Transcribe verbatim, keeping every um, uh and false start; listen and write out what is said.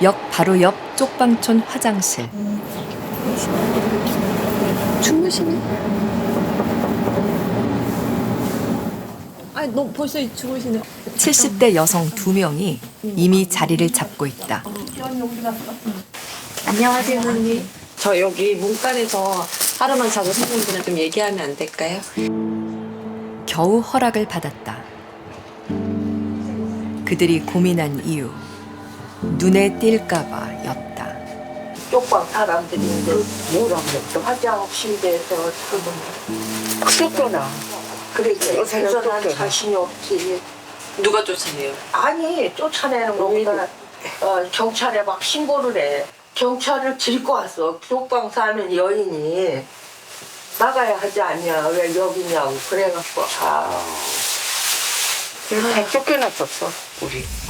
역 바로 옆 쪽방촌 화장실. 주무시네. 아니 너 벌써 주무시네. 칠십 대 여성 두 명이 이미 자리를 잡고 있다. 안녕하세요, 언니. 저 여기 문간에서 하루만 자고 선생님들이랑 좀 얘기하면 안 될까요? 겨우 허락을 받았다. 그들이 고민한 이유, 눈에 띌까봐 였다. 쪽방 사람들인데 뭐라고 또 화장실에서 쫓겨나. 그래서 요새는 난 자신이 없지. 누가 쫓아내요? 아니 쫓아내는 거보다 어, 경찰에 막 신고를 해. 경찰을 들고 왔어. 쪽방 사는 여인이 나가야 하지 않냐 왜 여기냐고 그래갖고 아. 다 쫓겨났었어 우리.